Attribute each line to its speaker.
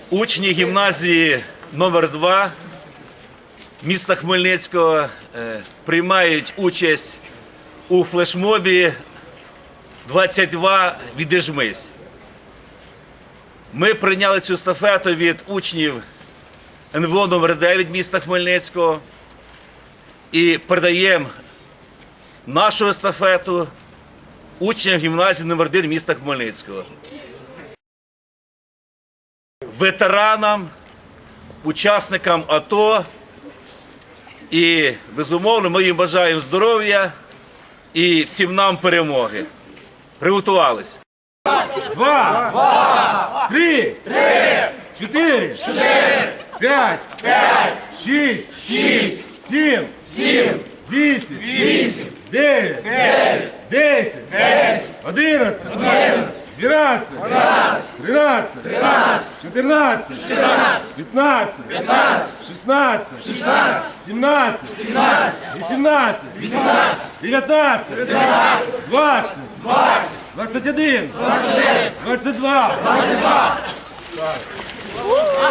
Speaker 1: Учні гімназії номер 2 міста Хмельницького приймають участь у флешмобі «22. Відіжмись». Ми прийняли цю естафету від учнів НВО номер 9 міста Хмельницького і передаємо нашу естафету учням гімназії номер 1 міста Хмельницького. Ветеранам, учасникам АТО і, безумовно, ми їм бажаємо здоров'я і всім нам перемоги. Приготувались.
Speaker 2: 2, 3, 4, 5, 6, 7, 8, 9, 10, 11, 12, 13, 14, 15, 16, 17, 18, 19, 20, 21, 22.